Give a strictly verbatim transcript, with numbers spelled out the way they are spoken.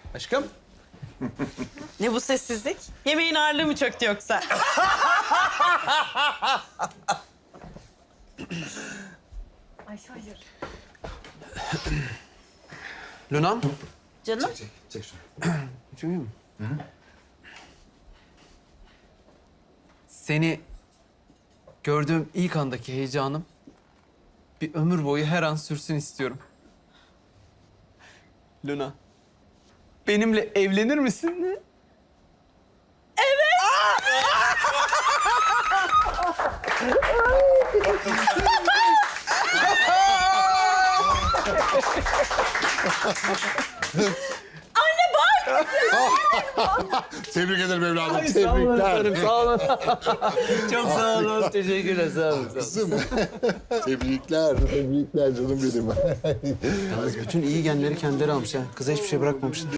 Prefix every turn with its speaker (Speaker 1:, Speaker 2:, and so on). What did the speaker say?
Speaker 1: Aşkım.
Speaker 2: Ne bu sessizlik? Yemeğin ağırlığı mı çöktü yoksa? Ay hayır.
Speaker 1: Luna'm.
Speaker 2: Canım?
Speaker 3: Çek, çek şunu.
Speaker 1: Duyuyor musun? Seni gördüğüm ilk andaki heyecanım bir ömür boyu her an sürsün istiyorum. Luna, benimle evlenir misin?
Speaker 3: Tebrik ederim evladım.
Speaker 1: Ay, sağ olun
Speaker 3: Tebrikler.
Speaker 1: efendim, sağ olun. Çok sağ olun, teşekkürler, sağ olun. Sağ olun.
Speaker 3: Kızım. Tebrikler, tebrikler canım benim.
Speaker 4: Yalnız bütün iyi genleri kendileri almış ha. Kıza hiçbir şey bırakmamış.